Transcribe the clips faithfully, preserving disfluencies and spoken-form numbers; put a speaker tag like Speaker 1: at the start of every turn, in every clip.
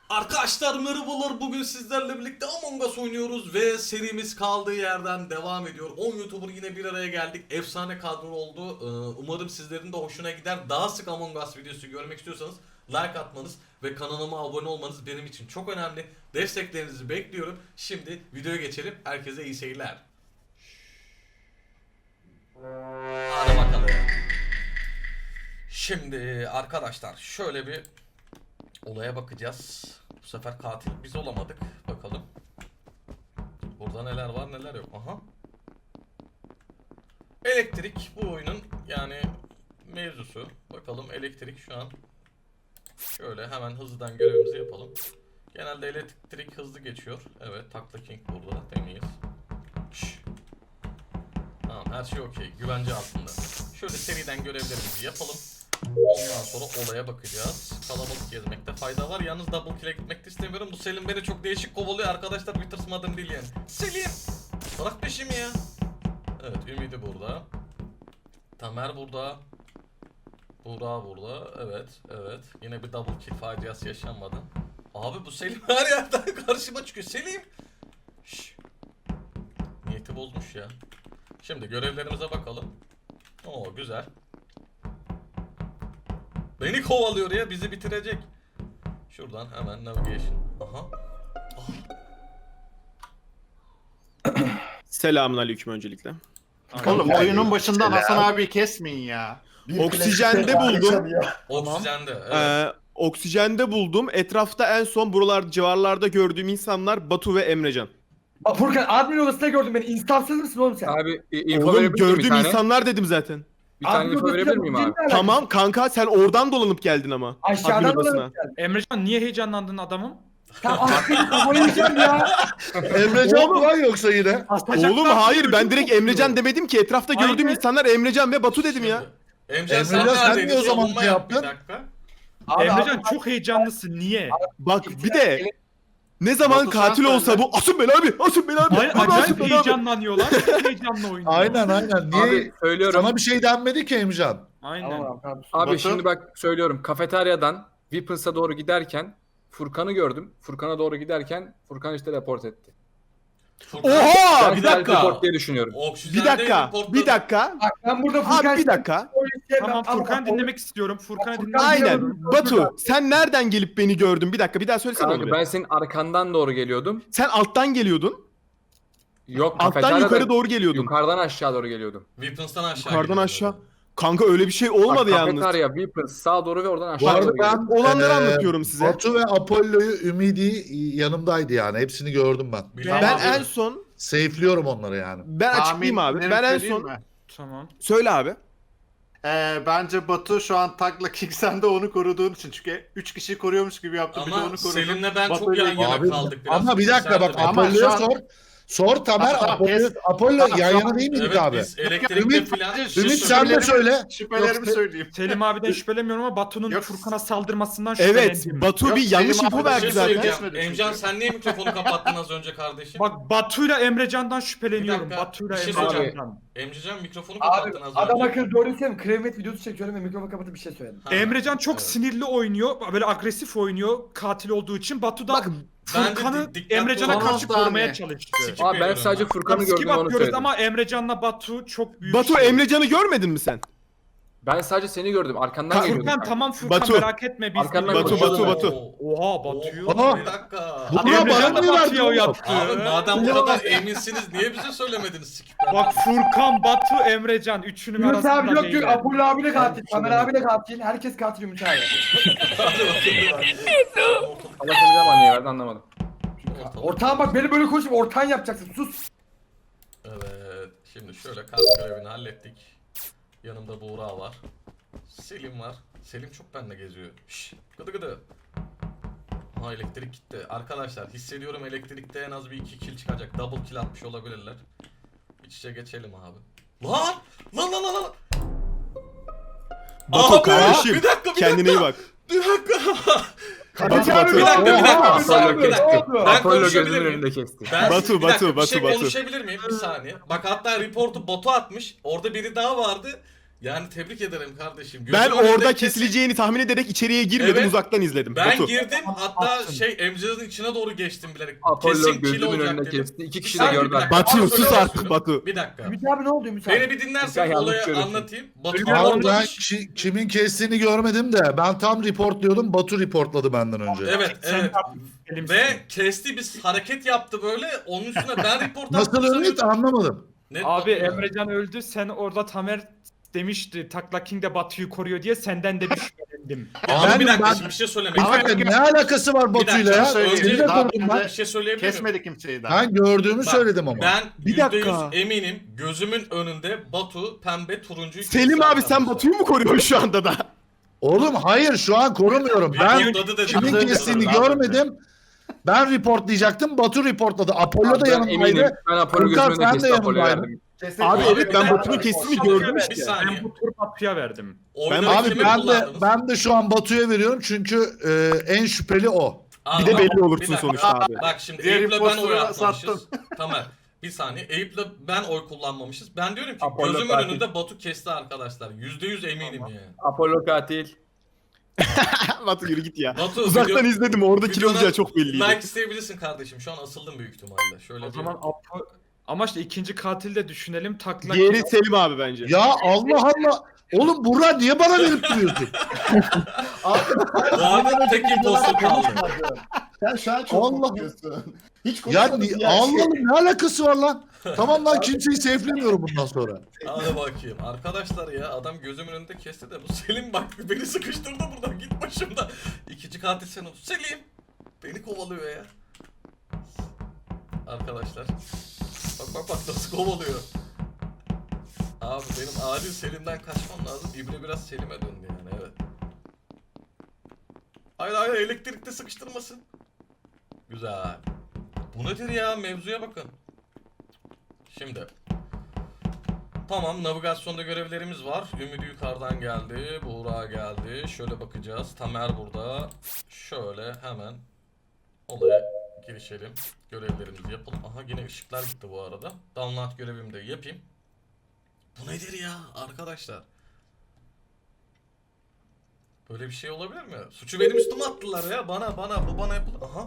Speaker 1: Arkadaşlar merhabalar, bugün sizlerle birlikte Among Us oynuyoruz ve serimiz kaldığı yerden devam ediyor. on YouTuber yine bir araya geldik. Efsane kadro oldu. Ee, umarım sizlerin de hoşuna gider. Daha sık Among Us videosu görmek istiyorsanız like atmanız ve kanalıma abone olmanız benim için çok önemli. Desteklerinizi bekliyorum. Şimdi videoya geçelim. Herkese iyi seyirler. Hadi bakalım. Şimdi arkadaşlar şöyle bir olaya bakacağız. Bu sefer katil biz olamadık. Bakalım. Burada neler var neler yok. Aha. Elektrik bu oyunun yani mevzusu. Bakalım elektrik şu an. Şöyle hemen hızlıdan görevimizi yapalım. Genelde elektrik hızlı geçiyor. Evet, Takla King burada. Temiz. Şş. Tamam, her şey okey. Güvence altında. Şöyle seriden görevlerimizi yapalım. Ondan sonra olaya bakacağız. Kalabalık gezmekte fayda var. Yalnız double kill'e gitmek istemiyorum. Bu Selim beni çok değişik kovalıyor arkadaşlar. Bir tırsmadım değil yani. Selim! Bırak peşimi ya. Evet, Ümidi burada. Tamer burada. Buğra burada. Evet, evet. Yine bir double kill faciası yaşanmadı. Abi bu Selim her yerden karşıma çıkıyor. Selim! Şşş. Niyeti bozmuş ya. Şimdi görevlerimize bakalım. Oo, güzel. Beni kovalıyor ya, bizi bitirecek. Şuradan hemen navigation. Aha.
Speaker 2: Selamun aleyküm öncelikle.
Speaker 3: Oğlum oyunun başından Hasan abi kesmeyin ya.
Speaker 2: Oksijende buldum.
Speaker 1: Oksijende. Evet.
Speaker 2: Ee, oksijende buldum. Etrafta en son buralar civarlarda gördüğüm insanlar Batu ve Emrecan.
Speaker 4: Aa, Furkan admin odasında gördüm beni. İnstansız mısın oğlum sen?
Speaker 5: Abi i- info
Speaker 2: Oğlum
Speaker 5: verebilir miyim bir
Speaker 2: gördüğüm
Speaker 5: tane?
Speaker 2: insanlar dedim zaten.
Speaker 5: Bir tane
Speaker 4: Admin
Speaker 5: info
Speaker 4: odasında
Speaker 5: verebilir miyim abi?
Speaker 4: değil mi?
Speaker 2: Tamam kanka, sen oradan dolanıp geldin ama.
Speaker 4: Aşağıdan
Speaker 2: Admin odasına.
Speaker 4: dolanıp geldin.
Speaker 6: Emrecan niye heyecanlandın adamım?
Speaker 4: Tamam aklını kafayı yiyeceğim ya.
Speaker 3: Emrecan mı lan yoksa yine?
Speaker 2: Oğlum hayır, ben direkt Emrecan demedim ki. Etrafta gördüğüm
Speaker 6: Aynen.
Speaker 2: insanlar Emrecan ve Batu dedim ya.
Speaker 1: Emrecan sen
Speaker 3: Emrecan, sen
Speaker 1: neredeydin?
Speaker 3: niye o zaman
Speaker 1: Savunma
Speaker 3: şey
Speaker 1: yap
Speaker 3: yaptın?
Speaker 1: Bir dakika.
Speaker 4: Abi,
Speaker 6: Emrecan
Speaker 4: abi,
Speaker 6: çok heyecanlısın niye?
Speaker 2: Bak bir de ne zaman
Speaker 3: Batu,
Speaker 2: katil
Speaker 3: sen
Speaker 2: olsa
Speaker 3: söyle.
Speaker 2: bu asın beni abi, asın beni abi.
Speaker 6: Hayır,
Speaker 2: abi, asın
Speaker 6: acayip
Speaker 2: beni abi.
Speaker 6: heyecanlanıyorlar. Çok heyecanla oynuyorlar.
Speaker 3: Aynen aynen. Niye?
Speaker 5: Abi söylüyorum.
Speaker 3: Sana bir şey denmedi ki Emrecan.
Speaker 6: Aynen.
Speaker 4: Tamam abi, tamam.
Speaker 5: Abi
Speaker 3: Batu?
Speaker 5: şimdi bak söylüyorum. Kafeteryadan Weapons'a doğru giderken Furkan'ı gördüm. Furkan'a doğru giderken Furkan işte report etti.
Speaker 1: Furkan,
Speaker 2: Oha,
Speaker 5: Ben
Speaker 2: bir
Speaker 5: self
Speaker 2: dakika.
Speaker 5: report diye düşünüyorum.
Speaker 1: Oksijende
Speaker 2: Bir dakika,
Speaker 1: reportladı.
Speaker 2: bir dakika.
Speaker 4: Bak ben burada Furkan...
Speaker 2: Abi bir dakika.
Speaker 6: Tamam, Furkan'ı dinlemek istiyorum. Furkan'ı
Speaker 4: Furkan-
Speaker 6: dinlemek
Speaker 2: Aynen.
Speaker 6: istiyorum.
Speaker 2: Batu, sen nereden gelip beni gördün? Bir dakika, bir daha söylesene
Speaker 5: Kanka
Speaker 2: onu.
Speaker 5: ben
Speaker 2: bir.
Speaker 5: senin arkandan doğru geliyordum.
Speaker 2: Sen alttan geliyordun.
Speaker 5: Yok
Speaker 2: Alttan
Speaker 5: kafeteryadan
Speaker 2: yukarı doğru geliyordun.
Speaker 5: yukarıdan aşağı doğru geliyordum.
Speaker 1: Weapons'tan aşağı
Speaker 2: Yukarıdan
Speaker 1: gidiyordu.
Speaker 2: aşağı. Kanka öyle bir şey olmadı
Speaker 5: Bak,
Speaker 2: yalnız.
Speaker 5: Kafeterya, Weapons sağa doğru ve oradan
Speaker 3: Bu
Speaker 5: aşağı
Speaker 3: arada
Speaker 5: doğru geliyordum.
Speaker 3: ben
Speaker 2: Olanları
Speaker 3: eee,
Speaker 2: anlatıyorum size.
Speaker 3: Batu ve Apollo'yu, Ümidi yanımdaydı yani. Hepsini gördüm ben.
Speaker 1: Bilmem
Speaker 2: Ben
Speaker 1: abi.
Speaker 2: en son
Speaker 3: Safe'liyorum onları yani.
Speaker 2: ben açıklayayım abi. Ben en son
Speaker 6: Tamam.
Speaker 2: söyle abi.
Speaker 7: Ee, bence Batu şu an Takla King sen de onu koruduğun için, çünkü üç kişiyi koruyormuş gibi yaptı, bir de
Speaker 1: Ama
Speaker 7: onu korudu.
Speaker 1: Selim'le ben çok
Speaker 7: Batu'yla-
Speaker 1: yan yana
Speaker 3: Abi,
Speaker 1: kaldık biraz.
Speaker 3: ama bir dakika bak
Speaker 1: Sen de-
Speaker 7: Ama
Speaker 3: Apollo'ya
Speaker 7: şu an-
Speaker 3: sor. Sor Tamer,
Speaker 7: Tamam,
Speaker 3: Apollo,
Speaker 7: kes.
Speaker 3: Apollo
Speaker 7: Tamam,
Speaker 3: yan
Speaker 7: tamam.
Speaker 3: yana değil miydik
Speaker 1: Evet,
Speaker 3: abi?
Speaker 1: biz elektrikte
Speaker 3: Ümit-
Speaker 1: filan...
Speaker 3: Ümit sen de
Speaker 7: Şüphelerimi-
Speaker 3: söyle.
Speaker 7: Şüphelerimi
Speaker 3: Yok,
Speaker 7: söyleyeyim.
Speaker 6: Selim abiden şüphelemiyorum ama Batu'nun
Speaker 7: Yok.
Speaker 6: Furkan'a saldırmasından
Speaker 2: Evet,
Speaker 6: şüphelendim.
Speaker 2: Batu
Speaker 7: Yok,
Speaker 2: bir yanlış
Speaker 7: Selim
Speaker 2: info
Speaker 7: abi
Speaker 1: Bir
Speaker 2: verdi
Speaker 1: şey
Speaker 2: zaten.
Speaker 1: söyleyeceğim.
Speaker 7: Geçmedi
Speaker 1: Emcan
Speaker 7: çünkü.
Speaker 1: sen niye mikrofonu kapattın az önce kardeşim?
Speaker 6: Bak Batu'yla Emrecan'dan şüpheleniyorum.
Speaker 1: Bir dakika,
Speaker 6: Batu'yla
Speaker 1: bir şey söyleyeceğim.
Speaker 6: Emrecan'dan.
Speaker 1: Emrecan mikrofonu
Speaker 4: Abi
Speaker 1: kapattın az
Speaker 4: adam
Speaker 1: önce.
Speaker 4: akıllı doğru söyleyeyim. Kremet videosu çekiyorum ve mikrofonu kapatıp bir şey söyledim.
Speaker 1: Ha,
Speaker 6: Emrecan çok
Speaker 1: evet.
Speaker 6: sinirli oynuyor. Böyle agresif oynuyor katil olduğu için. Batu da
Speaker 2: Bak,
Speaker 1: ben de
Speaker 6: Furkan'ı
Speaker 1: dik- dikkatli
Speaker 6: Emrecan'a
Speaker 1: olamam.
Speaker 6: karşı
Speaker 7: Saniye.
Speaker 6: korumaya çalıştı.
Speaker 1: Skip
Speaker 5: Abi ben
Speaker 1: veriyorum
Speaker 5: sadece
Speaker 1: ben.
Speaker 5: Furkan'ı
Speaker 6: Skip
Speaker 5: gördüm onu
Speaker 6: atıyoruz
Speaker 5: söyledim.
Speaker 6: ama Emrecan'la Batu çok büyük.
Speaker 2: Batu
Speaker 6: şey.
Speaker 2: Emrecan'ı görmedin mi sen?
Speaker 5: Ben sadece seni gördüm. Arkandan
Speaker 2: Ka-
Speaker 5: geliyordum.
Speaker 6: Furkan tamam Furkan
Speaker 2: Batu.
Speaker 6: merak etme biz
Speaker 5: Arkandan
Speaker 6: biliyoruz.
Speaker 2: Batu, Batu, Batu.
Speaker 6: Oha Batu'yu.
Speaker 1: Oha,
Speaker 3: Aa.
Speaker 1: bir dakika.
Speaker 3: Bu- Buna
Speaker 6: Emrecan
Speaker 3: bana
Speaker 6: da
Speaker 3: niye
Speaker 6: Batu'ya
Speaker 3: verdin
Speaker 6: uyattı.
Speaker 1: Abi madem bu kadar eminsiniz niye bize söylemediniz skipten?
Speaker 6: Bak Furkan, Batu, Emrecan üçünün
Speaker 4: Ümit
Speaker 6: arasında
Speaker 4: abi yok
Speaker 6: değil.
Speaker 4: yok. Apollo abi de katil.
Speaker 3: Ben
Speaker 4: Tamer abi de katil. Herkes katil Ümit abi.
Speaker 5: Allah seni zaman niye verdi anlamadım.
Speaker 4: Ortağım bak beni böyle konuşup ortağın yapacaksın. Sus.
Speaker 1: Evet, şimdi şöyle kas görevini hallettik. Yanımda Buğra var. Selim var. Selim çok benimle geziyor. Şşş, gıdı gıdı. Ha, elektrik gitti. Arkadaşlar hissediyorum elektrikte en az bir iki kill çıkacak. Double kill atmış olabilirler. İç içe geçelim abi. Lan! Lan lan lan lan!
Speaker 2: Batu
Speaker 1: Abi,
Speaker 2: kardeşim,
Speaker 1: bir dakika, bir
Speaker 2: kendine iyi
Speaker 1: dakika.
Speaker 2: bak.
Speaker 1: Bir dakika.
Speaker 2: Batu, Batu.
Speaker 1: Bir dakika, bir dakika.
Speaker 4: Oha,
Speaker 1: Bir saniye, bir dakika.
Speaker 4: Apollo
Speaker 1: Ben
Speaker 5: Apollo
Speaker 1: konuşabilir
Speaker 5: gözümün
Speaker 1: miyim?
Speaker 5: önünde kesti.
Speaker 1: Ben
Speaker 2: Batu,
Speaker 1: bir dakika,
Speaker 2: Batu,
Speaker 1: bir şey
Speaker 2: Batu, Batu.
Speaker 1: konuşabilir miyim? Bir saniye. Bak hatta reportu botu atmış. Orada biri daha vardı. Yani tebrik ederim kardeşim.
Speaker 2: Ben
Speaker 1: Gözümün önünde
Speaker 2: orada
Speaker 1: kesin-
Speaker 2: kesileceğini tahmin ederek içeriye girmedim,
Speaker 1: Evet.
Speaker 2: uzaktan izledim.
Speaker 1: Ben
Speaker 2: Batu.
Speaker 1: girdim hatta şey Emrecan'ın içine doğru geçtim bilerek.
Speaker 5: Apollo
Speaker 1: Kesin kill
Speaker 5: gözümün
Speaker 1: olacak
Speaker 5: önüne
Speaker 1: dedim.
Speaker 5: kesti. İki
Speaker 1: Bir
Speaker 5: kişi de
Speaker 1: saniye,
Speaker 5: gördü.
Speaker 1: bir dakika.
Speaker 2: Batu
Speaker 1: Bana
Speaker 2: sus
Speaker 1: söylemek
Speaker 2: artık
Speaker 1: istiyorum.
Speaker 2: Batu.
Speaker 1: Bir dakika.
Speaker 4: Ümit abi ne oldu Ümit abi?
Speaker 1: Beni bir dinlersen
Speaker 5: Sen yanlış
Speaker 1: olayı
Speaker 5: söylüyorsun.
Speaker 1: anlatayım. Batu
Speaker 6: Ölüyor
Speaker 3: Abi ben
Speaker 1: anlatmış.
Speaker 3: ki- kimin kestiğini görmedim de ben tam reportluyordum. Batu reportladı benden önce.
Speaker 1: Evet
Speaker 6: Sen
Speaker 1: evet.
Speaker 6: elimsin.
Speaker 1: Ve kesti bir hareket yaptı böyle. Onun üstüne ben report
Speaker 3: Nasıl
Speaker 1: attım
Speaker 3: Ümit
Speaker 1: sanıyordum.
Speaker 3: anlamadım.
Speaker 1: Net
Speaker 6: Abi
Speaker 1: Batu ya.
Speaker 6: Emrecan öldü. Sen orada Tamer demişti Takla King de Batu'yu koruyor diye senden de bir şüphelendim.
Speaker 1: Ya
Speaker 3: Abi
Speaker 1: bir dakika
Speaker 3: ben-
Speaker 1: şimdi bir şey
Speaker 3: Bir
Speaker 1: söylemek
Speaker 7: Ama
Speaker 3: dakika
Speaker 1: istiyorum.
Speaker 3: ne alakası var
Speaker 1: Bir
Speaker 3: Batu'yla
Speaker 1: dakika
Speaker 3: ya?
Speaker 7: söyleyeyim.
Speaker 3: Seni de
Speaker 7: Daha
Speaker 3: korudum ben.
Speaker 1: Bir şey söyleyebilir miyim?
Speaker 7: Kesmedi kimseyi daha.
Speaker 3: Ben gördüğümü
Speaker 1: Bak,
Speaker 3: söyledim ama.
Speaker 1: Ben
Speaker 2: Bir
Speaker 1: yüzde yüz
Speaker 2: dakika.
Speaker 1: eminim gözümün önünde Batu, pembe, turuncuyu
Speaker 2: Selim
Speaker 1: kesti
Speaker 2: abi sen
Speaker 1: arkadaşlar.
Speaker 2: Batu'yu mu koruyorsun şu anda da?
Speaker 3: Oğlum hayır şu an korumuyorum. Ben
Speaker 1: Reportladı dedi.
Speaker 3: kimin
Speaker 7: Hazır
Speaker 3: kestiğini
Speaker 7: mısın?
Speaker 3: görmedim. Ben reportlayacaktım. Batu reportladı. Apollo da
Speaker 5: Ben
Speaker 3: yanımdaydı.
Speaker 5: eminim. Ben Apollo
Speaker 3: Furkan,
Speaker 5: gözümün önüne
Speaker 3: sen de
Speaker 5: kesti Apollo'ya
Speaker 3: yanındaydın.
Speaker 5: verdim.
Speaker 2: Abi
Speaker 1: Abi
Speaker 2: evet
Speaker 1: bir
Speaker 2: ben
Speaker 1: dakika.
Speaker 2: Batu'nun kestiğini
Speaker 1: Bir
Speaker 2: gördüm
Speaker 1: Bir
Speaker 2: işte.
Speaker 1: saniye.
Speaker 6: Ben bu tur Batu'ya verdim.
Speaker 1: Oyunu
Speaker 2: Ben-
Speaker 3: Abi
Speaker 1: kimi
Speaker 3: ben de
Speaker 1: kullandınız?
Speaker 3: ben de şu an Batu'ya veriyorum çünkü e, en şüpheli o.
Speaker 1: Aa,
Speaker 2: Bir de
Speaker 1: bak,
Speaker 2: belli
Speaker 1: bir
Speaker 2: olursun
Speaker 1: dakika.
Speaker 2: sonuçta abi.
Speaker 1: Bak şimdi
Speaker 7: Diğer
Speaker 1: Eyüp'le ben
Speaker 7: imposter'ı
Speaker 1: oy atmamışız.
Speaker 7: sattın.
Speaker 1: Tamam. Bir saniye. Eyüp'le ben oy kullanmamışız. Ben diyorum ki
Speaker 5: Apollo
Speaker 1: gözümün
Speaker 5: katil.
Speaker 1: önünde Batu kesti arkadaşlar. Yüzde yüz eminim yani.
Speaker 5: Apollo katil.
Speaker 2: Batu yürü git ya.
Speaker 1: Batu
Speaker 2: Uzaktan
Speaker 1: video-
Speaker 2: izledim, orada kill
Speaker 1: videodan
Speaker 2: olacağı çok belliydi.
Speaker 1: Like isteyebilirsin kardeşim. Şu an asıldım büyük ihtimalle. Şöyle
Speaker 6: O
Speaker 1: bir-
Speaker 6: zaman Apo... Ama işte ikinci katil de düşünelim. Takla
Speaker 2: Diğeri
Speaker 6: King.
Speaker 2: Selim abi bence.
Speaker 3: Ya Allah Allah. Oğlum Burak niye bana verip duruyorsun?
Speaker 1: Bu arada tek imposter kaldı.
Speaker 8: Sen şu an çok
Speaker 3: Allah.
Speaker 8: korkuyorsun. Hiç
Speaker 3: Ya
Speaker 8: konuşmadın
Speaker 3: ni-
Speaker 8: ya.
Speaker 3: Allah Allah ne alakası var lan? Tamam lan kimseyi safe'lemiyorum bundan sonra.
Speaker 1: Hadi bakayım. Arkadaşlar ya adam gözümün önünde kesti de bu Selim bak beni sıkıştırdı buradan git başımda. İkinci katil sen ol. Selim. Beni kovalıyor ya. Arkadaşlar. Bak bak bak nasıl kovalıyor. Abi benim acil Selim'den kaçmam lazım. İbre biraz Selim'e döndü yani evet. Hayır hayır elektrikte sıkıştırmasın. Güzel. Bu nedir ya mevzuya bakın. Şimdi. Tamam navigasyonda görevlerimiz var. Ümidi yukarıdan geldi. Buğra geldi. Şöyle bakacağız. Tamer burada. Şöyle hemen olaya girişelim. Görevlerimizi yapalım. Aha yine ışıklar gitti bu arada. Download görevimi de yapayım. Bu nedir ya arkadaşlar? Böyle bir şey olabilir mi? Suçu benim üstüme attılar ya. Bana bana bu bana yapıldı. Aha.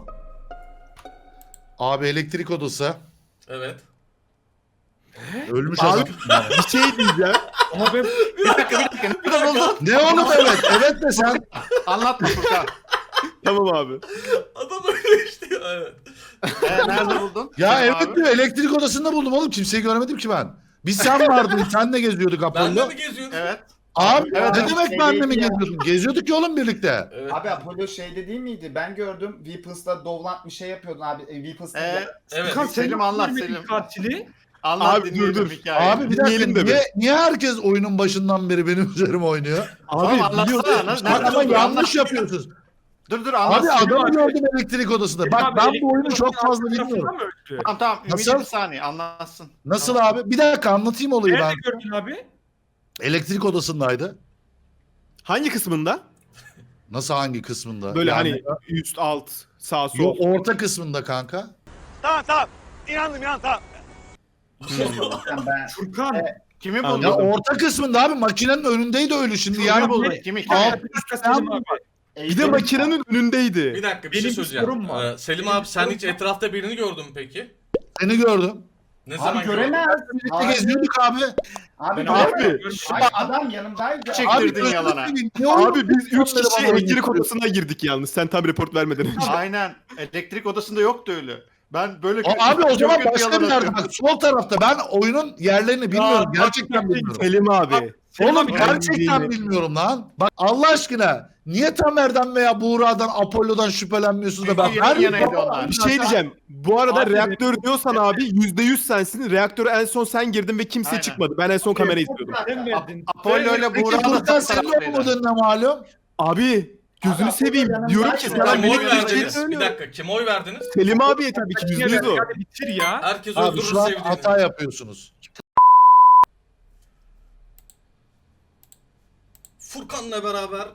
Speaker 3: Abi elektrik odası.
Speaker 1: Evet.
Speaker 3: Ölmüş
Speaker 2: Abi
Speaker 3: adam.
Speaker 2: bir şey diyeceğim.
Speaker 6: Ama ben
Speaker 7: Bir dakika bir dakika. Ne kadar oldu?
Speaker 3: Ne oğlum evet? Evet de sen.
Speaker 7: Anlatma Furkan.
Speaker 2: Tamam abi.
Speaker 1: Adam öyle işte ya evet.
Speaker 7: Ee, nerede buldun?
Speaker 3: Ya
Speaker 7: Selim
Speaker 3: evet
Speaker 7: abi?
Speaker 3: diyor elektrik odasında buldum oğlum. Kimseyi göremedim ki ben. Biz sen vardın. Senle geziyorduk
Speaker 1: Ben de
Speaker 3: Apollo.
Speaker 1: mi geziyordum?
Speaker 7: Evet.
Speaker 3: Abi
Speaker 7: Evet,
Speaker 3: ne
Speaker 7: evet,
Speaker 3: demek
Speaker 8: şey
Speaker 3: benle mi
Speaker 8: değil ya.
Speaker 3: geziyordun? Geziyorduk ya oğlum birlikte.
Speaker 1: Evet.
Speaker 8: Abi Apollo şeyde değil miydi? Ben gördüm. Weapons'la Dovlant bir şey yapıyordun abi. E, Weapons'la
Speaker 7: Ee,
Speaker 1: Evet.
Speaker 6: Furkan, sen
Speaker 7: Selim
Speaker 6: nasıl
Speaker 7: anlat,
Speaker 6: görmedin
Speaker 7: Selim.
Speaker 6: Katili.
Speaker 7: Anlat
Speaker 2: Abi, dur,
Speaker 7: dinleyelim
Speaker 2: dur.
Speaker 7: hikayeyi.
Speaker 3: Abi bir dakika
Speaker 2: Dinleyelim de
Speaker 3: niye, niye herkes oyunun başından beri benim üzerime oynuyor?
Speaker 7: Tamam,
Speaker 2: Abi
Speaker 7: anlatsana,
Speaker 2: biliyorsun.
Speaker 7: anlat.
Speaker 3: Bak
Speaker 7: Nerede
Speaker 3: ama
Speaker 7: buldun?
Speaker 3: yanlış
Speaker 7: Anlat.
Speaker 3: yapıyorsunuz.
Speaker 7: Dur dur
Speaker 3: Abi
Speaker 7: anlat. Selim
Speaker 3: adamı
Speaker 6: abi.
Speaker 3: gördüm elektrik odasında. Bak
Speaker 6: Abi,
Speaker 3: ben
Speaker 6: elektrik
Speaker 3: bu oyunu çok
Speaker 6: odasının
Speaker 3: fazla
Speaker 6: alt tarafında
Speaker 3: bilmiyorum.
Speaker 6: mı öldü?
Speaker 7: Tamam tamam. Ümit
Speaker 3: Nasıl?
Speaker 7: bir saniye anlatsın.
Speaker 3: Nasıl
Speaker 7: Tamam.
Speaker 3: abi? Bir dakika anlatayım olayı
Speaker 6: Nerede
Speaker 3: ben.
Speaker 6: gördün abi?
Speaker 3: Elektrik odasındaydı.
Speaker 2: Hangi kısmında?
Speaker 3: Nasıl hangi kısmında?
Speaker 2: Böyle
Speaker 3: Yani-
Speaker 2: hani üst, alt, sağ, sol.
Speaker 3: Yok orta kısmında kanka.
Speaker 8: Sen ben.
Speaker 6: Furkan.
Speaker 7: Kimi
Speaker 2: Anladım.
Speaker 7: buldun?
Speaker 3: Ya orta kısmında abi makinenin önündeydi ölü şimdi
Speaker 7: Kimi
Speaker 3: yani.
Speaker 7: buldun?
Speaker 6: ne-
Speaker 7: Kimi kimi?
Speaker 3: Alt
Speaker 6: Selim abi.
Speaker 2: Bir de makinenin önündeydi.
Speaker 1: Bir dakika bir
Speaker 6: Benim
Speaker 1: şey
Speaker 6: bir
Speaker 1: söyleyeceğim.
Speaker 6: sorum var.
Speaker 1: Ee, Selim
Speaker 6: Benim
Speaker 1: abi
Speaker 6: bir
Speaker 1: sen
Speaker 6: sorum
Speaker 1: hiç
Speaker 6: var.
Speaker 1: etrafta birini gördün mü peki?
Speaker 3: Seni gördüm.
Speaker 1: Ne
Speaker 8: Abi
Speaker 1: zaman gördün?
Speaker 8: göremez.
Speaker 3: Birlikte
Speaker 8: Abi,
Speaker 3: geziyorduk abi.
Speaker 8: abi
Speaker 6: Ben
Speaker 8: göremez.
Speaker 2: abi-
Speaker 8: Hayır, adam yanımdaydı.
Speaker 7: Çek-
Speaker 3: Abi
Speaker 7: Çektirdin
Speaker 3: gözünü
Speaker 7: yalana.
Speaker 3: seveyim, ne oldu?
Speaker 2: Abi biz üç
Speaker 3: Onları
Speaker 2: kişi
Speaker 3: bana
Speaker 2: elektrik
Speaker 3: oynatıyorsun.
Speaker 2: odasına girdik yalnız. Sen tam report vermeden önce.
Speaker 7: Aynen. Elektrik odasında yoktu öyle. Ben böyle
Speaker 3: O, abi o
Speaker 7: çok
Speaker 3: zaman
Speaker 7: kötü
Speaker 3: başka
Speaker 7: yalan
Speaker 3: bir yerde
Speaker 7: atıyorum.
Speaker 3: bak sol tarafta ben oyunun yerlerini bilmiyorum
Speaker 6: bak,
Speaker 3: gerçekten
Speaker 6: bak,
Speaker 3: bilmiyorum.
Speaker 2: Selim abi.
Speaker 6: Selim
Speaker 3: Oğlum
Speaker 6: abi,
Speaker 3: gerçekten bilmiyorum lan. Bak Allah aşkına niye Tamer'den veya Buğra'dan Apollo'dan şüphelenmiyorsunuz da ben
Speaker 7: Çünkü
Speaker 3: her
Speaker 7: yan yanaydı onlar.
Speaker 2: Bir şey diyeceğim. Bu arada
Speaker 6: Abi,
Speaker 2: reaktör diyorsan abi yüzde yüz sensin. Reaktöre en son sen girdin ve kimse
Speaker 7: Aynen.
Speaker 2: çıkmadı. Ben en son kamerayı izliyordum.
Speaker 6: Sen verdin.
Speaker 7: Apollo ile
Speaker 3: Peki
Speaker 7: Buğra da
Speaker 3: Furkan
Speaker 7: tam
Speaker 3: senin
Speaker 7: taraftaydı.
Speaker 3: olmadığın ne malum?
Speaker 2: Abi gözünü
Speaker 8: Abi,
Speaker 2: seveyim.
Speaker 8: Apollo
Speaker 2: Diyorum
Speaker 8: yanımdaydı.
Speaker 2: ki
Speaker 8: Kim
Speaker 2: sana
Speaker 1: Kim oy
Speaker 2: melek bir şey
Speaker 1: verdiniz? Bir
Speaker 2: söylüyor.
Speaker 1: dakika kim oy verdiniz?
Speaker 2: Selim abiye tabii ki yüzde yüz o.
Speaker 6: Hadi bitir ya.
Speaker 1: Herkes
Speaker 3: Abi
Speaker 1: öldürür
Speaker 3: şu an
Speaker 1: sevdiğini.
Speaker 3: hata yapıyorsunuz.
Speaker 1: Furkan'la beraber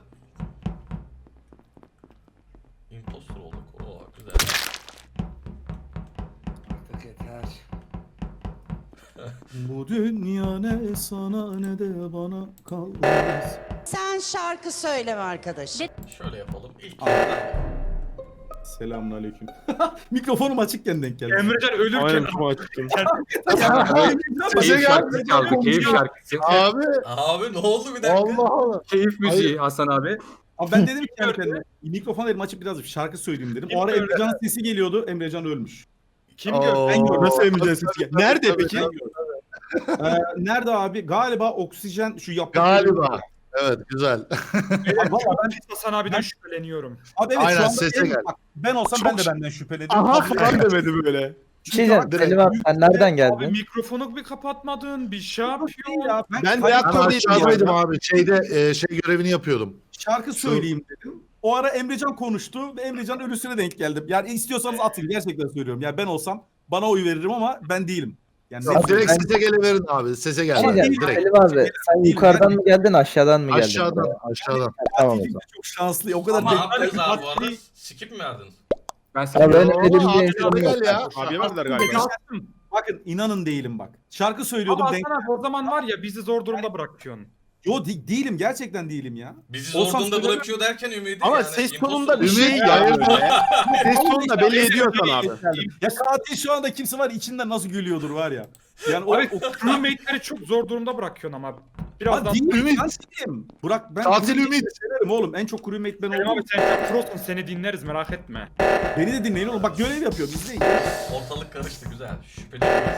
Speaker 1: impostor olduk. Oo güzel.
Speaker 4: Artık yeter.
Speaker 9: Bu dünya ne sana ne de bana kalmaz.
Speaker 10: Sen şarkı söyleme arkadaş.
Speaker 1: Şöyle yapalım. İlk
Speaker 9: Selamünaleyküm. Mikrofonum açıkken denk geldi.
Speaker 6: Emrecan ölürken
Speaker 2: Aynen şu açtım.
Speaker 3: Sese
Speaker 5: Keyif şarkısı
Speaker 3: geldi.
Speaker 5: çaldı. Keyif şarkısı.
Speaker 3: Abi
Speaker 1: Abi ne oldu bir dakika?
Speaker 3: Allah Allah.
Speaker 5: Keyif müziği Hasan abi.
Speaker 9: Abi ben dedim ki kendi kendime, mikrofon elim açıp biraz şarkı söyleyeyim dedim. O ara
Speaker 6: Kim
Speaker 9: Emrecan'ın sesi geliyordu. Emrecan ölmüş.
Speaker 6: kim
Speaker 3: Oo.
Speaker 6: gördü?
Speaker 2: Ben gördüm. Nasıl Emrecan sesi geldi? Nerede
Speaker 3: Tabii,
Speaker 2: peki?
Speaker 3: tabii.
Speaker 9: Ee, nerede abi? Galiba oksijen şu yaptığı...
Speaker 3: Galiba. Evet güzel.
Speaker 9: Abi, valla ben,
Speaker 6: Hasan abiden şüpheleniyorum.
Speaker 9: abi evet
Speaker 3: Aynen,
Speaker 9: şu anda
Speaker 3: sese
Speaker 9: en-
Speaker 3: gel.
Speaker 9: bak, ben olsam ben de benden şüphelenirim.
Speaker 2: Aha
Speaker 9: Abi,
Speaker 2: falan demedi böyle.
Speaker 11: Bir şey diyeceğim.
Speaker 3: Direkt-
Speaker 11: Selim abi sen nereden
Speaker 6: Abi
Speaker 11: geldin?
Speaker 6: mikrofonu bir kapatmadın, bir şey
Speaker 9: Değil
Speaker 6: yapıyorsun.
Speaker 9: ya, ben,
Speaker 2: Ben
Speaker 9: ben
Speaker 3: Ben
Speaker 2: reaktördeydim
Speaker 3: aşağıdaydım
Speaker 2: ya.
Speaker 3: abi. Şeyde e, şey görevini yapıyordum.
Speaker 9: şarkı söyleyeyim dedim. O ara Emrecan konuştu ve Emrecan ölüsüne denk geldim. Yani istiyorsanız atın, gerçekten söylüyorum. Yani ben olsam bana oy veririm ama ben değilim. Yani
Speaker 3: Siz
Speaker 9: net-
Speaker 3: direkt
Speaker 11: ben-
Speaker 3: sese geliverin abi. Sese
Speaker 11: Bir şey
Speaker 3: geldi.
Speaker 11: diyeceğim.
Speaker 3: Direkt.
Speaker 11: Selim abi sen yukarıdan mı geldin aşağıdan mı geldin?
Speaker 3: Aşağıdan aşağıdan.
Speaker 11: Tamam o
Speaker 9: Fatih
Speaker 11: zaman.
Speaker 9: çok şanslı. O kadar
Speaker 1: Ama
Speaker 9: denk-
Speaker 1: haklıyız abi bu arada.
Speaker 9: Fatih-
Speaker 1: Skip mi verdiniz?
Speaker 5: Ben
Speaker 11: Abi
Speaker 5: sana
Speaker 11: benim
Speaker 3: Oo,
Speaker 11: elimde
Speaker 3: abi,
Speaker 11: insanım
Speaker 3: hadi
Speaker 11: yok.
Speaker 3: gel ya.
Speaker 2: Abiye verdiler galiba.
Speaker 9: Bakın inanın değilim bak. Şarkı söylüyordum
Speaker 6: Ama
Speaker 9: denk.
Speaker 6: Hasan abi o zaman var ya bizi zor durumda bırakıyorsun.
Speaker 9: Yo de- değilim, gerçekten değilim ya.
Speaker 1: Bizi
Speaker 9: Olsam
Speaker 1: zor durumda
Speaker 9: söylemem.
Speaker 1: bırakıyor derken ümidi
Speaker 2: Ama
Speaker 1: yani.
Speaker 2: ses
Speaker 1: imposter
Speaker 2: tonunda bir
Speaker 1: oldu.
Speaker 2: şey
Speaker 3: Ümit
Speaker 2: ya.
Speaker 3: ya.
Speaker 2: Ses tonunda belli ediyorsan abi.
Speaker 9: Ya katil şu anda kimse var içinden nasıl gülüyordur var ya. Yani o,
Speaker 6: Abi
Speaker 9: o
Speaker 6: crewmate'leri çok zor durumda bırakıyorsun ama.
Speaker 9: Lan
Speaker 6: Birazdan...
Speaker 9: değil,
Speaker 3: Ümit.
Speaker 9: ben değilim. Burak ben
Speaker 3: Katil
Speaker 9: crewmate'i
Speaker 3: Ümit.
Speaker 9: severim oğlum. En çok crewmate ben
Speaker 6: Selim
Speaker 9: oldum.
Speaker 6: abi sen çok prosun, seni dinleriz merak etme.
Speaker 9: Beni de dinleyin oğlum. Bak görev yapıyorum. İzleyin.
Speaker 1: Ortalık karıştı güzel. Şüpheli değiliz.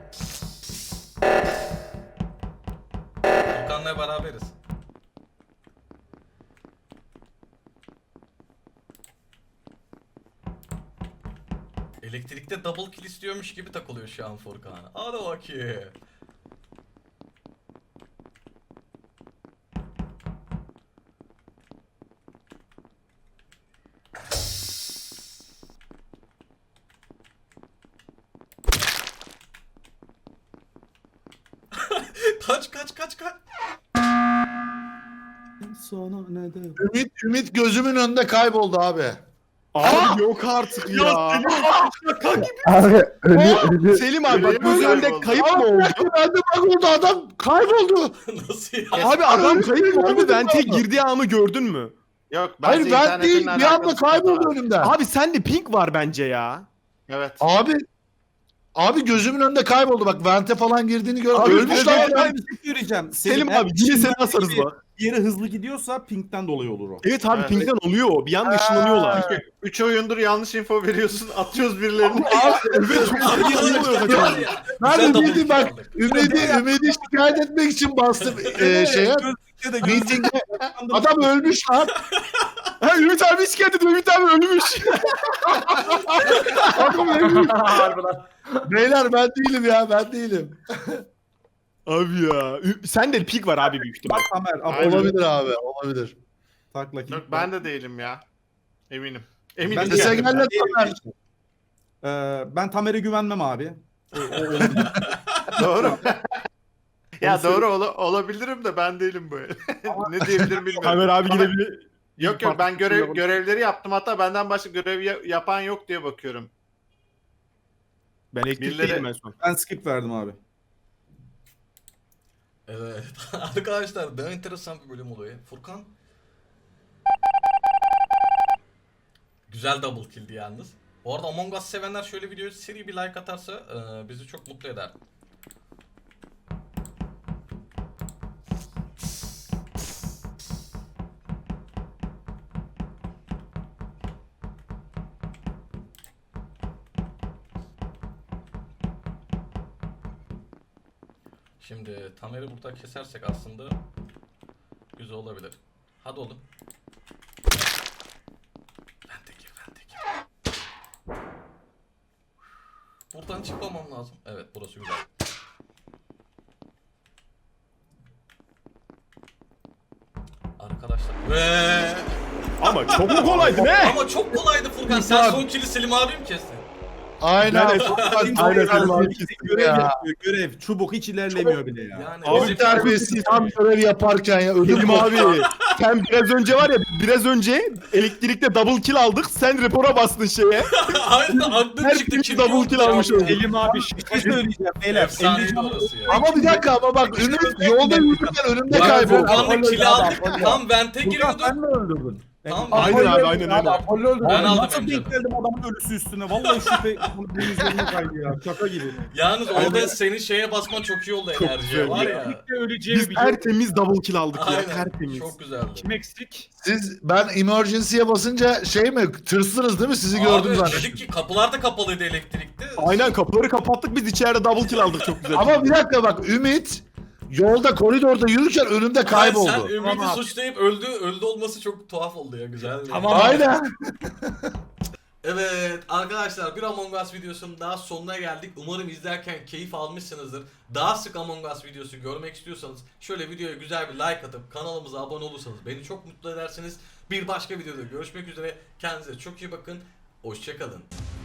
Speaker 1: Furkan'la beraberiz. Elektrikte double kill istiyormuş gibi takılıyor şu an Furkan. Hadi bakayım. Kaç kaç kaç kaç.
Speaker 9: Sana ne de...
Speaker 3: Ümit Ümit gözümün önünde kayboldu abi.
Speaker 2: Abi yok artık ya.
Speaker 11: Abi ölü ölü.
Speaker 2: Selim abi bak
Speaker 7: Öyle mi
Speaker 2: gözü önünde
Speaker 7: kayboldu?
Speaker 2: kayıp mı oldu?
Speaker 3: Ben de bak oldu adam kayboldu.
Speaker 1: Nasıl ya?
Speaker 2: Abi adam
Speaker 3: Öyle
Speaker 2: kayıp
Speaker 3: mi
Speaker 2: oldu.
Speaker 3: oldu?
Speaker 2: Vente girdiği anı gördün mü?
Speaker 7: Yok
Speaker 3: Hayır
Speaker 7: bence
Speaker 3: ben
Speaker 7: internetinle
Speaker 3: değil bir
Speaker 7: alakalı
Speaker 3: anda
Speaker 7: sıkıntı var.
Speaker 3: kayboldu önümden.
Speaker 2: Abi sende pink var bence ya.
Speaker 7: Evet.
Speaker 3: Abi Abi gözümün önünde kayboldu bak vente falan girdiğini gör.
Speaker 2: Abi,
Speaker 3: Ölmüş
Speaker 2: ben-
Speaker 3: lan.
Speaker 9: Ben bir şey söyleyeceğim.
Speaker 2: Selim
Speaker 9: eğer
Speaker 2: abi yine seni
Speaker 9: içinden
Speaker 2: asarız
Speaker 9: bir-
Speaker 2: bak.
Speaker 9: Bir yere hızlı gidiyorsa pinkten dolayı olur o.
Speaker 2: Evet abi
Speaker 7: Evet.
Speaker 2: pinkten oluyor o. Bir anda ışınlanıyorlar.
Speaker 7: Üç oyundur yanlış info veriyorsun. Atıyoruz birilerini.
Speaker 2: Evet çok iyi oluyor kaçan.
Speaker 1: Var ya,
Speaker 3: Ben
Speaker 1: güzel
Speaker 3: de
Speaker 1: double
Speaker 3: bildim
Speaker 1: kill
Speaker 3: bak.
Speaker 1: aldık.
Speaker 3: Ümidi, ümidi şikayet etmek için bastım e, şeye.
Speaker 9: Gözlükte de gözlükte
Speaker 3: Meeting'de adam ölmüş lan.
Speaker 2: Ha Ümit abi şikayet ediyor. Ümit abi ölmüş.
Speaker 3: Adam ölmüş. Beyler ben değilim ya ben değilim.
Speaker 2: Abi ya. Ü- Sende pink var abi büyük ihtimal.
Speaker 9: Bak Tamer,
Speaker 7: Aynen.
Speaker 9: abone
Speaker 3: Olabilir abi olabilir.
Speaker 9: takla kim?
Speaker 7: Yok ben de değilim ya. Eminim.
Speaker 9: Ben
Speaker 7: Eminim.
Speaker 9: de
Speaker 3: Sese
Speaker 7: yani.
Speaker 3: gel lan Tamer.
Speaker 9: Ee, ben Tamer'e güvenmem abi. O- o- o-
Speaker 7: Doğru. ya
Speaker 9: Onu
Speaker 7: doğru ola- olabilirim de ben değilim böyle. ne diyebilirim bilmiyorum.
Speaker 2: Tamer abi yine bir...
Speaker 7: Yok yok ben görev görevleri yaptım hatta benden başka görev ya- yapan yok diye bakıyorum.
Speaker 2: Ben elektrik
Speaker 7: Birileri-
Speaker 2: değilim en son.
Speaker 9: Ben skip verdim abi.
Speaker 1: Evet. Arkadaşlar daha enteresan bir bölüm oluyor. Furkan. Güzel double kill'di yalnız. Bu arada Among Us sevenler şöyle videoya seri bir like atarsa e, bizi çok mutlu eder. Şimdi Tamer'i burada kesersek aslında güzel olabilir. Hadi oğlum. Vente gir, vente gir. Buradan çıkmamam lazım. Evet, burası güzel. Arkadaşlar. Ve
Speaker 2: Ama çok mu kolaydı ne?
Speaker 1: ama çok kolaydı Furkan. Sen son kill'i Selim abim kestin.
Speaker 3: Aynen.
Speaker 2: Ben- Aynen Selim abi.
Speaker 9: Görev
Speaker 3: Ya.
Speaker 9: yapıyor, görev. Çubuk hiç ilerlemiyor bile ya.
Speaker 1: Yani
Speaker 3: Abi
Speaker 1: bizim-
Speaker 3: terbiyesiz tam görev yaparken ya ödüm
Speaker 2: Selim abi sen biraz önce var ya biraz önce elektrikte double kill aldık. Sen rapora bastın şeye.
Speaker 1: Aynen aklım
Speaker 2: Her
Speaker 1: çıktı.
Speaker 2: biri
Speaker 1: Kim
Speaker 2: double
Speaker 1: yoktu
Speaker 2: kill
Speaker 1: ya?
Speaker 2: almış oldu.
Speaker 6: Selim abi
Speaker 9: Bir şey söyleyeceğim beyler.
Speaker 1: Efsaneydi
Speaker 9: Emrecan
Speaker 1: orası ya.
Speaker 3: Ama bir dakika ama bak Ümit yolda yürürken önümde
Speaker 1: Bak
Speaker 3: kayboldu.
Speaker 1: Furkan'la kill aldık. Tam vente
Speaker 9: Furkan
Speaker 1: giriyordum.
Speaker 9: sen mi öldürdün?
Speaker 1: Tamam,
Speaker 9: Apollo
Speaker 2: aynen abi,
Speaker 9: öldürdü
Speaker 2: aynen,
Speaker 9: abi,
Speaker 2: aynen.
Speaker 9: Apollo öldürdü.
Speaker 1: Ben
Speaker 9: Abi
Speaker 1: aldım
Speaker 9: Nasıl
Speaker 1: Emrecan'ı.
Speaker 9: denk geldim adamın ölüsü üstüne? Vallahi şüphe bunu benim üzerime kaydı ya. Şaka gibi.
Speaker 1: Yalnız orada senin şeye basman çok iyi oldu enerjiye
Speaker 2: güzel
Speaker 1: var
Speaker 2: ya.
Speaker 1: ya.
Speaker 6: Kesinlikle öleceğimi
Speaker 2: Biz
Speaker 6: biliyorum.
Speaker 2: tertemiz double kill aldık ya.
Speaker 1: Aynen.
Speaker 2: Tertemiz.
Speaker 1: Çok güzeldi.
Speaker 6: Kim eksik?
Speaker 3: Siz ben emergency'ye basınca şey mi tırsınız değil mi? Sizi gördüm
Speaker 1: Abi
Speaker 3: zaten.
Speaker 1: dedik ki kapılar da kapalıydı elektrikte.
Speaker 2: Aynen kapıları kapattık biz içeride double kill aldık çok güzel.
Speaker 3: Ama bir dakika bak Ümit yolda koridorda yürürken önümde
Speaker 1: Sen
Speaker 3: kayboldu.
Speaker 1: Ümit'i
Speaker 6: Tamam.
Speaker 1: suçlayıp öldü öldü olması çok tuhaf oldu ya güzel.
Speaker 6: Tamam.
Speaker 3: Aynen.
Speaker 1: Evet arkadaşlar bir Among Us videosunun daha sonuna geldik. Umarım izlerken keyif almışsınızdır. Daha sık Among Us videosu görmek istiyorsanız şöyle videoya güzel bir like atıp kanalımıza abone olursanız beni çok mutlu edersiniz. Bir başka videoda görüşmek üzere. Kendinize çok iyi bakın. Hoşçakalın.